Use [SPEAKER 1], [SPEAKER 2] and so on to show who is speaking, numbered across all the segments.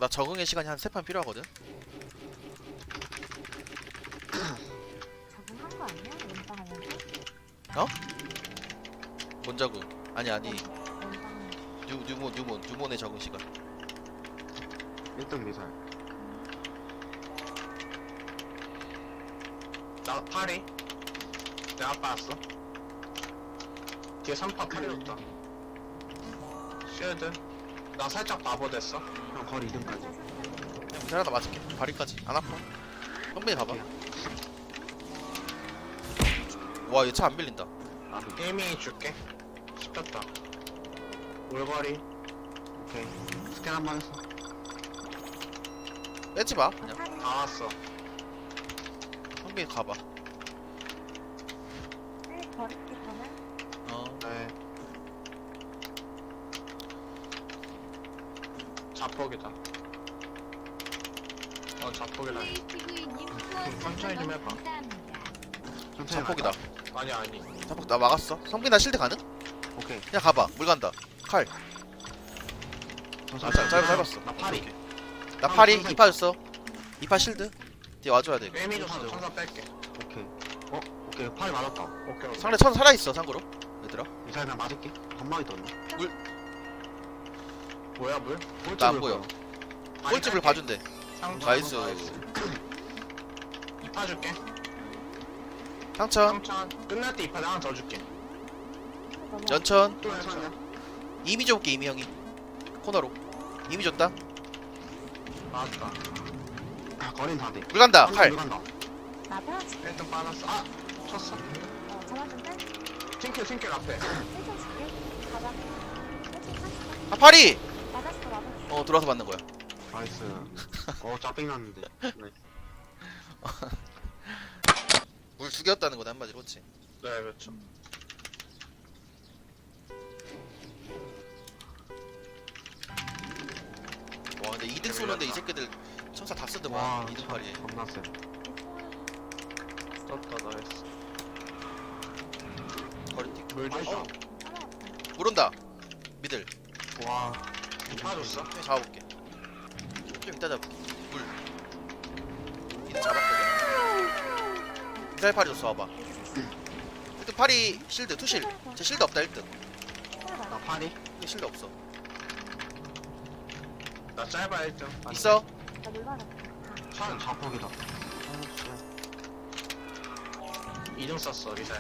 [SPEAKER 1] 나 적응의 시간이 한 3판 필요하거든.
[SPEAKER 2] 적응한 거 아니야? 연방하면서?
[SPEAKER 1] 뭔 적응? 아니
[SPEAKER 2] 연방.
[SPEAKER 1] 뉴몬의 적응 시간.
[SPEAKER 3] 1등 미사일.
[SPEAKER 4] 나 파리. 내가 빠졌어. 뒤에 3파 파리였다. 쉴드. 나 살짝 바보 됐어.
[SPEAKER 3] 형 거리 2등까지.
[SPEAKER 1] 그냥 미사일 하나 맞을게. 발이까지 안 아파. 형빈이 봐봐. 와, 얘 차 안 빌린다.
[SPEAKER 4] 게이밍 줄게. 씹혔다. 올거리.
[SPEAKER 3] 오케이. 스캔 한 번 했어.
[SPEAKER 1] 빼지 마. 그냥
[SPEAKER 4] 다 왔어.
[SPEAKER 1] 형빈이 가봐.
[SPEAKER 2] 빨리 버릴게 그러면.
[SPEAKER 1] 어.
[SPEAKER 3] 네.
[SPEAKER 4] 자폭이다. 자폭이다. 천천히 좀 해봐.
[SPEAKER 3] 천천히
[SPEAKER 1] 자폭이다.
[SPEAKER 4] 아니.
[SPEAKER 1] 자폭 나 막았어. 성빈 나 실드 가능?
[SPEAKER 3] 갈까? 오케이.
[SPEAKER 1] 그냥 가봐. 물 간다. 칼. 짧았어.
[SPEAKER 3] 나 파리.
[SPEAKER 1] 오케이. 나 파리 2파 줬어. 2파 실드. 뒤에 와줘야 돼. 이거.
[SPEAKER 4] 게이밍 줬어. 천사 뺄게.
[SPEAKER 3] 오케이. 오케이. 파리 맞았다.
[SPEAKER 4] 오케이.
[SPEAKER 1] 상대 천 살아있어 참고로. 얘들아.
[SPEAKER 3] 미사일 나 맞을게. 건방이 떴네.
[SPEAKER 4] 뭐야 물?
[SPEAKER 1] 나 안 보여. 꼴집을 봐준대. 나이스.
[SPEAKER 4] 이파 줄게.
[SPEAKER 1] 상천.
[SPEAKER 4] 3천. 끝날 때 이파 하나 더 줄게.
[SPEAKER 1] 연천.
[SPEAKER 4] 또 연천.
[SPEAKER 1] 이미 줘볼게 이미 형이. 코너로. 이미 줬다.
[SPEAKER 4] 맞다.
[SPEAKER 3] 거린 다 돼.
[SPEAKER 1] 물 간다.
[SPEAKER 3] 물
[SPEAKER 1] 칼.
[SPEAKER 3] 간다.
[SPEAKER 2] 나 편하지?
[SPEAKER 4] 1등 빠졌어. 쳤어.
[SPEAKER 2] 잡아준대?
[SPEAKER 4] 튕길 앞에.
[SPEAKER 2] 세점 줄게. 가봐. 세점 샀어.
[SPEAKER 1] 아 파리.
[SPEAKER 2] 맞았어.
[SPEAKER 1] 들어와서 맞는 거야.
[SPEAKER 3] 나이스. 짜증 났는데. 네.
[SPEAKER 1] 물 죽였다는 거네 한마디로. 그렇지.
[SPEAKER 4] 네 그렇죠.
[SPEAKER 1] 와 근데 2등 쏘는데 이 새끼들 천사 다 쓰더만.
[SPEAKER 3] 와,
[SPEAKER 1] 2등 파리에.
[SPEAKER 3] 겁나 세.
[SPEAKER 4] 떴다 나이스.
[SPEAKER 1] 거리 틱.
[SPEAKER 4] 물 줬어.
[SPEAKER 2] 따라왔다.
[SPEAKER 1] 물 온다. 미들.
[SPEAKER 3] 와.
[SPEAKER 4] 이파 줬어.
[SPEAKER 1] 좀 잡아볼게. 좀 이따 잡을게. 물. 이들 잡았거든. 미사일 파리 줬어 와봐. 1등 파리 실드 투실. 제 실드 없다 1등.
[SPEAKER 3] 나 파리.
[SPEAKER 1] 얘 실드 없어.
[SPEAKER 4] 나 짧아 1등.
[SPEAKER 1] 있어?
[SPEAKER 2] 나물 받았다.
[SPEAKER 4] 천.
[SPEAKER 3] 자폭이다.
[SPEAKER 4] 2등 썼어 미사일.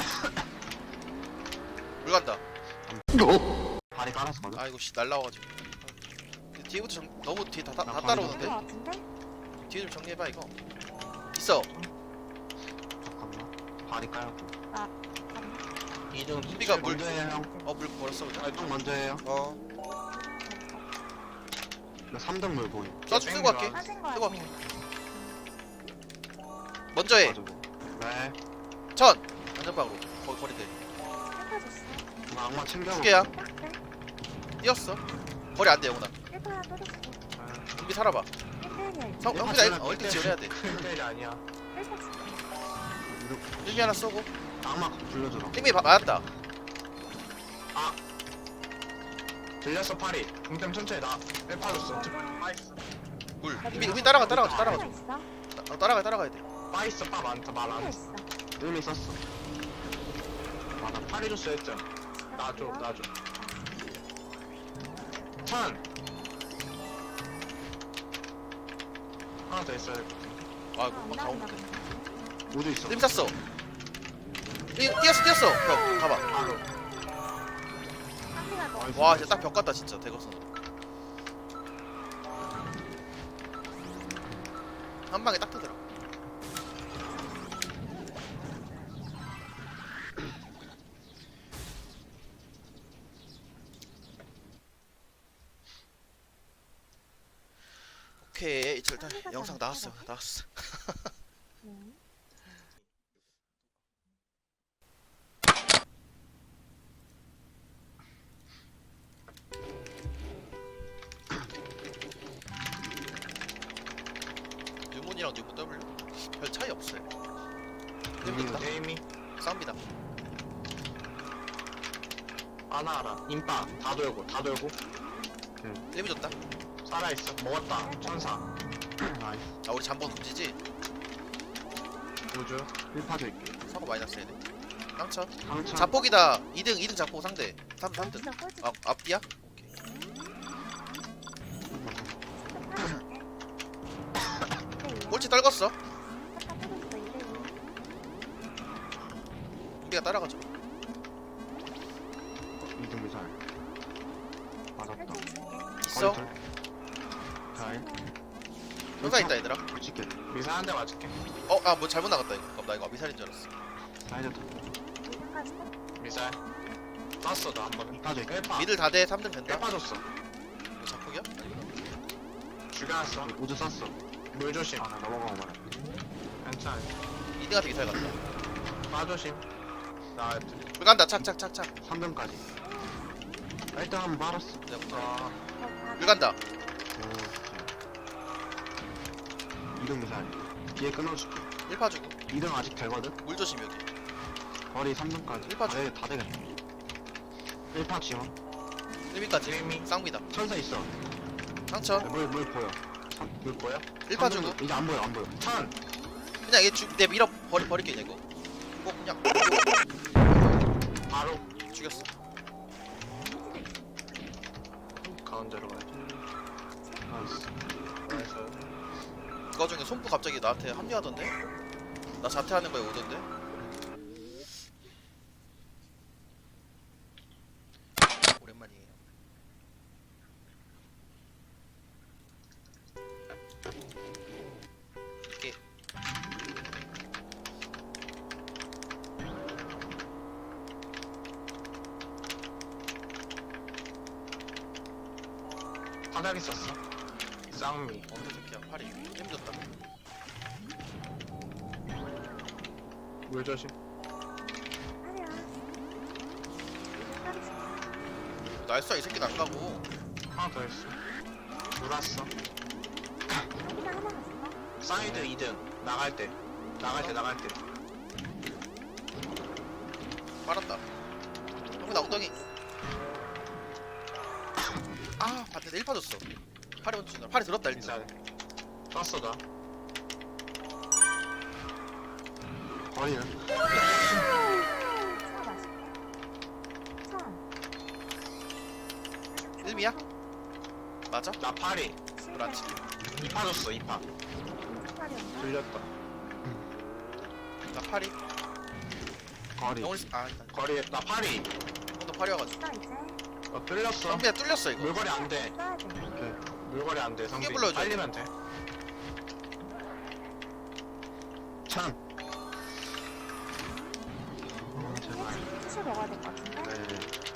[SPEAKER 1] 물 간다.
[SPEAKER 3] 파리 깔았거든.
[SPEAKER 1] 아이고 씨 날라와가지고. 뒤에부터 너무 뒤에 다
[SPEAKER 3] 나
[SPEAKER 1] 따라오는데?
[SPEAKER 2] 거 같은데?
[SPEAKER 1] 뒤에 좀 정리해봐 이거. 있어.
[SPEAKER 3] 잠깐만. 파리 깔고.
[SPEAKER 4] 2등
[SPEAKER 1] 준비가 물.
[SPEAKER 3] 먼저 해요 형.
[SPEAKER 1] 물 버렸어 그냥.
[SPEAKER 3] 1등 먼저 해요. 나 3등 물 보임.
[SPEAKER 1] 쏴주 쓰고 갈게.
[SPEAKER 2] 빠진 거야.
[SPEAKER 1] 뜨거. 먼저 해.
[SPEAKER 3] 가지고. 네.
[SPEAKER 1] 천. 안전방으로. 거리 대.
[SPEAKER 2] 깎아줬어.
[SPEAKER 3] 나 악마 챙겨.
[SPEAKER 1] 두 개야.
[SPEAKER 2] 깎대.
[SPEAKER 1] 뛰었어. 거리 안 돼 영훈아.
[SPEAKER 2] 1파 떨어졌어.
[SPEAKER 1] 준비 살아봐.
[SPEAKER 2] 1대1이야.
[SPEAKER 1] 형비가 1등 지원해야 돼.
[SPEAKER 4] 1대1이 아니야.
[SPEAKER 2] 1파 줄게.
[SPEAKER 1] 일기 하나 쏘고.
[SPEAKER 3] 악마 불러주라.
[SPEAKER 1] 힘이 맞았다.
[SPEAKER 4] 들렸어 파리. 동템 천천히 나. 1파 줬어. 빠있어.
[SPEAKER 1] 물.
[SPEAKER 2] 나
[SPEAKER 1] 힘이
[SPEAKER 2] 물어.
[SPEAKER 1] 따라가.
[SPEAKER 2] 하나
[SPEAKER 1] 따라가야 돼.
[SPEAKER 4] 빠있어 빠 많다 말 안
[SPEAKER 2] 하나
[SPEAKER 4] 했어.
[SPEAKER 2] 있어.
[SPEAKER 3] 의미 썼어.
[SPEAKER 4] 나 파리 줬어 1등. 나줘. 천. 하나 더 있어야 될 것 같은데.
[SPEAKER 1] 아이고 다 오는데.
[SPEAKER 3] 우주 있어.
[SPEAKER 1] 힘 쐈어. 뛰었어. 형 가봐.
[SPEAKER 4] 바로.
[SPEAKER 2] 한피가 너.
[SPEAKER 1] 와 진짜 딱 벽 같다 진짜 대각선. 한 방에 딱 뜨더라. 오케이 이제 일단 영상 나왔어.
[SPEAKER 2] 네.
[SPEAKER 1] 뉴몬이랑 뉴몬 W 별 차이 없어요. 됩니다.
[SPEAKER 4] 게임이
[SPEAKER 1] 싸웁니다.
[SPEAKER 4] 하나 알아. 인파 다 돌고.
[SPEAKER 1] 데미 줬다.
[SPEAKER 4] 살아있어. 먹었다. 천사.
[SPEAKER 3] 나이스.
[SPEAKER 1] 아 우리 잠번 금지지?
[SPEAKER 4] 우주.
[SPEAKER 3] 1파 줄게.
[SPEAKER 1] 사고 마이너스 해야 돼. 깡차.
[SPEAKER 3] 강차.
[SPEAKER 1] 자폭이다. 2등 자폭 상대. 3등.
[SPEAKER 2] 진짜 꼴찌.
[SPEAKER 1] 아 앞뒤야? 오케이. 꼴찌 떨궜어. 우리가 따라가죠.
[SPEAKER 3] 2등 미사일. 맞았다.
[SPEAKER 1] 있어.
[SPEAKER 3] 잘.
[SPEAKER 1] 효과 있다 얘들아.
[SPEAKER 3] 붙일게.
[SPEAKER 4] 미사 한 대 맞을게.
[SPEAKER 1] 아 뭐 잘못 나갔다 이거. 그럼 나 이거 미사일인 줄 알았어.
[SPEAKER 3] 사이드 타.
[SPEAKER 4] 미사일. 쐈어 나 한 번.
[SPEAKER 3] 2파 줄게.
[SPEAKER 4] 1파.
[SPEAKER 1] 미들 다 돼. 3등 된다.
[SPEAKER 4] 1파 줬어.
[SPEAKER 1] 이거 자폭이야?
[SPEAKER 4] 죽여놨어.
[SPEAKER 3] 우주 쐈어.
[SPEAKER 4] 물 조심.
[SPEAKER 3] 아, 나 넘어가고 말해.
[SPEAKER 4] 괜찮아.
[SPEAKER 1] 2등한테 미사일 갔다.
[SPEAKER 4] 빠 조심. 나
[SPEAKER 1] 불 간다. 착착착착.
[SPEAKER 3] 3등까지. 1등 한번 말았어.
[SPEAKER 1] 내가 못
[SPEAKER 4] 아,
[SPEAKER 1] 불 간다.
[SPEAKER 3] 2등 미사일. 뒤에 끊어줄게.
[SPEAKER 1] 1파 주고.
[SPEAKER 3] 2등 아직 되거든?
[SPEAKER 1] 물 조심 여기.
[SPEAKER 3] 거리 3등까지.
[SPEAKER 1] 1파 줘.
[SPEAKER 3] 다 되겠다. 1파 지원.
[SPEAKER 1] 1미까지.
[SPEAKER 4] 게이밍.
[SPEAKER 1] 쌍미다.
[SPEAKER 3] 천사 있어.
[SPEAKER 1] 상처.
[SPEAKER 3] 물 보여.
[SPEAKER 4] 물 보여?
[SPEAKER 1] 1파 주고.
[SPEAKER 3] 이제 안 보여, 안 보여.
[SPEAKER 4] 천.
[SPEAKER 1] 그냥 얘 밀어 버릴게 이거. 이거 그냥
[SPEAKER 4] 바로
[SPEAKER 1] 죽였어.
[SPEAKER 4] 가운데로 가야지.
[SPEAKER 3] 나이스.
[SPEAKER 4] 그래서
[SPEAKER 1] 그거 중에 손부 갑자기 나한테 합류하던데? 나 자퇴하는 거에 오던데? 오랜만이에요. 이게
[SPEAKER 4] 바닥에 썼어. 쌍미.
[SPEAKER 1] 어느 새끼야 팔이 힘들었다.
[SPEAKER 4] 물 조심.
[SPEAKER 2] 아니야.
[SPEAKER 1] 날수야 이 새끼는 안 가고.
[SPEAKER 4] 하나 더 있어. 물 왔어.
[SPEAKER 2] 여기다 하나 갔어.
[SPEAKER 4] 사이드 2등. 나갈 때. 나갈 때.
[SPEAKER 1] 빨았다. 형이 나 엉덩이. 아 반대로 1파 줬어. 팔이 먼저 준다. 팔이 들었다 일단.
[SPEAKER 4] 미사일. 쐈어 나.
[SPEAKER 3] 거리는?
[SPEAKER 2] 차 맛있게. 차.
[SPEAKER 1] 1미야? 맞아?
[SPEAKER 4] 나 파리.
[SPEAKER 1] 그렇지.
[SPEAKER 4] 2파 줬어 2파. 들렸다.
[SPEAKER 1] 나 팔이.
[SPEAKER 3] 거리.
[SPEAKER 1] 영훈이 아 일단
[SPEAKER 4] 거리에 나 파리.
[SPEAKER 1] 형도 팔이 와가지고.
[SPEAKER 2] 나 이제
[SPEAKER 4] 뚫렸어.
[SPEAKER 1] 성비야 뚫렸어 이거.
[SPEAKER 4] 물거리 안 돼.
[SPEAKER 2] 써야 돼.
[SPEAKER 3] 오케이.
[SPEAKER 4] 물거리 안 돼. 성비.
[SPEAKER 1] 크게 불러줘.
[SPEAKER 4] 빨리면 돼.
[SPEAKER 3] 찬. 제발.
[SPEAKER 2] 수술 먹어야 될 것 같은데?
[SPEAKER 3] 네.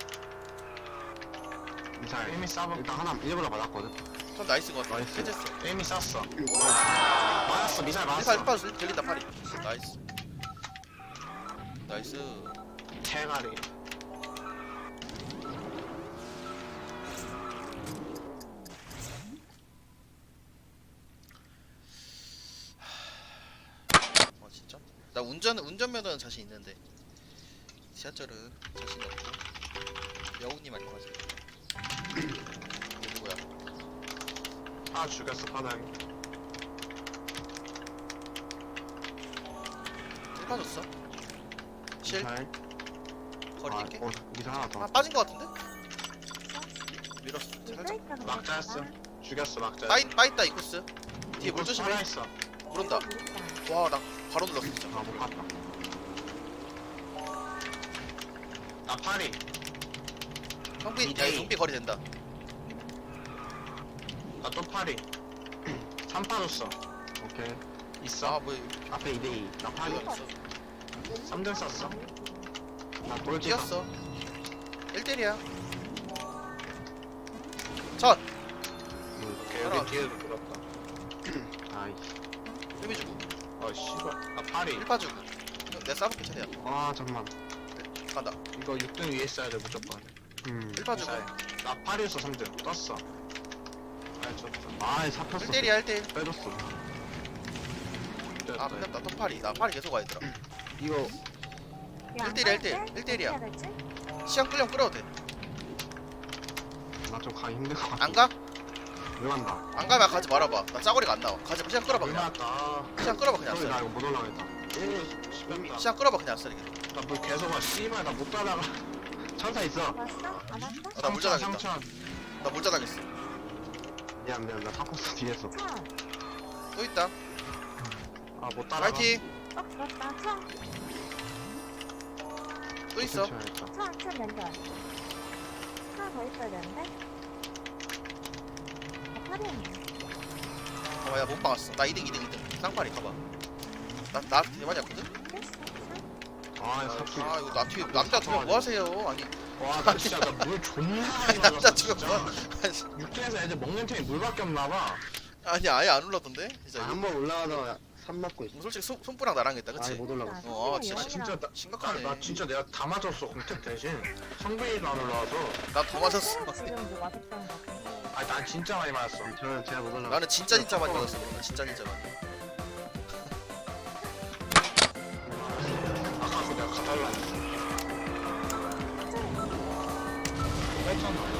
[SPEAKER 3] 미사일.
[SPEAKER 4] 이미 싸본.
[SPEAKER 3] 일단 하나 일부러 맞았거든.
[SPEAKER 1] 전 나이스인 것 같아.
[SPEAKER 3] 나이스.
[SPEAKER 1] 해제했어.
[SPEAKER 4] 이미 쐈어. 맞았어. 미사일
[SPEAKER 1] 미사
[SPEAKER 4] 맞았어.
[SPEAKER 1] 1파 들린다 팔이. 나이스. 나이스.
[SPEAKER 4] 대가리.
[SPEAKER 1] 진짜? 나 운전면허는 자신 있는데 지하철은 자신 없고. 여우님 안녕하세요. 누구야?
[SPEAKER 4] 아 죽였어 바닥에.
[SPEAKER 1] 1파 줬어. 실
[SPEAKER 3] 미사일.
[SPEAKER 1] 거리 있게.
[SPEAKER 3] 미사일 하나 더.
[SPEAKER 1] 아 빠진 것 같은데? 밀었어. 살짝.
[SPEAKER 4] 막자였어. 죽였어 막자.
[SPEAKER 1] 빠있다 이 코스. 뒤에 물 조심해.
[SPEAKER 4] 살아있어.
[SPEAKER 1] 물 온다. 와 나 바로 눌렀어 진짜.
[SPEAKER 3] 아, 못 갔다.
[SPEAKER 4] 나 파리.
[SPEAKER 1] 성비 야
[SPEAKER 4] 이대이.
[SPEAKER 1] 성비 거리 된다.
[SPEAKER 4] 나 또 파리. 3파 줬어.
[SPEAKER 3] 오케이.
[SPEAKER 4] 있어.
[SPEAKER 1] 아뭐
[SPEAKER 3] 앞에 2대2. 나 파리.
[SPEAKER 1] 이거 없어.
[SPEAKER 4] 3등 썼어.
[SPEAKER 3] 나 꼴찌.
[SPEAKER 1] 뛰었어. 1대1이야. 첫
[SPEAKER 4] 오케이
[SPEAKER 1] 따라와.
[SPEAKER 4] 여기 뒤에도 들었다.
[SPEAKER 3] 나이스.
[SPEAKER 1] 1미 주고
[SPEAKER 4] 어 씨발. 나 파리.
[SPEAKER 1] 1파 주고. 내가 싸볼게 최대한.
[SPEAKER 3] 아, 잠깐만.
[SPEAKER 1] 간다.
[SPEAKER 4] 이거 6등 위에 있어야 돼 무조건.
[SPEAKER 1] 1파 주고.
[SPEAKER 4] 미사일. 나 파리였어 3등. 떴어. 아 좋다.
[SPEAKER 3] 아, 잡혔어.
[SPEAKER 1] 1대1이야 1대1.
[SPEAKER 3] 빼줬어.
[SPEAKER 1] 아 끝났다. 또 파리. 나 파리 계속 와야 되더라.
[SPEAKER 3] 이거
[SPEAKER 1] 1대1이야 1대1. 1대1이야. 시간 끌려면 끌어도 돼.
[SPEAKER 3] 나 좀 가기 힘들 것 같아.
[SPEAKER 1] 안 가?
[SPEAKER 3] 물 간다.
[SPEAKER 1] 안 가면 가지 말아봐. 나 짜거리가 안 나와. 가지 마. 시간 끌어봐
[SPEAKER 4] 물
[SPEAKER 1] 그냥.
[SPEAKER 4] 맞다.
[SPEAKER 1] 시간 끌어봐 그냥.
[SPEAKER 3] 저기 나
[SPEAKER 1] 아싸리.
[SPEAKER 3] 이거 못 올라가겠다.
[SPEAKER 4] 시간다.
[SPEAKER 1] 시간 끌어봐 그냥 아싸리.
[SPEAKER 4] 나물 계속 와. 씨발 나 못 따라가.
[SPEAKER 3] 천사 있어.
[SPEAKER 2] 왔어? 안 왔어?
[SPEAKER 1] 나 물자 당했다.
[SPEAKER 4] 상천.
[SPEAKER 1] 나 물자 당했어.
[SPEAKER 3] 미안 나 타코스 뒤에서.
[SPEAKER 2] 천.
[SPEAKER 1] 또 있다.
[SPEAKER 4] 아못 따라가.
[SPEAKER 1] 파이팅.
[SPEAKER 2] 죽었다. 천.
[SPEAKER 1] 또 있어.
[SPEAKER 3] 괜찮아야겠다.
[SPEAKER 2] 천 연결. 하나 더 있어야 되는데? 팔이었네.
[SPEAKER 1] 야 못 박았어. 나 2등. 쌍팔이 가봐. 나 대만이었거든?
[SPEAKER 2] 됐어. 천.
[SPEAKER 3] 아 삽질.
[SPEAKER 1] 아 이거 나 뒤에 남자 두 명 뭐 하세요? 아니
[SPEAKER 4] 와, 나 진짜 나물 존나 많이
[SPEAKER 1] 남자
[SPEAKER 4] 맞았어,
[SPEAKER 1] 두 명
[SPEAKER 4] 진짜.
[SPEAKER 1] 뭐
[SPEAKER 4] 육지에서 애들 먹는 템이 물밖에 없나봐.
[SPEAKER 1] 아니 아예 안 올라던데? 진짜
[SPEAKER 3] 한 번 올라가다가 산 맞고 있어.
[SPEAKER 1] 솔직히 손뿌랑 나랑 했다 그치?
[SPEAKER 3] 아예 못 올라갔어.
[SPEAKER 1] 어, 진짜
[SPEAKER 4] 진짜 나,
[SPEAKER 1] 심각하네.
[SPEAKER 4] 나 진짜 내가 다 맞았어 공택 대신 성빈이도 안 올라와서.
[SPEAKER 1] 나 더 맞았어.
[SPEAKER 2] 지금 뭐 맛있다는 거 같아.
[SPEAKER 4] 아니 난 진짜 많이 맞았어.
[SPEAKER 3] 저는 제가 못 올라가.
[SPEAKER 1] 나는 진짜 많이 맞았어. 나 진짜 많이.
[SPEAKER 4] 아까 그 내가 가달라 했어. 뺐잖아.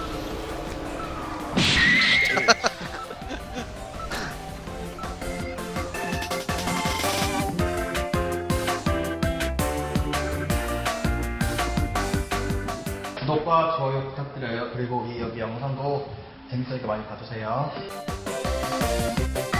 [SPEAKER 5] 구독과 좋아요 부탁드려요. 그리고 이 여기 영상도 재밌으니까 많이 봐주세요.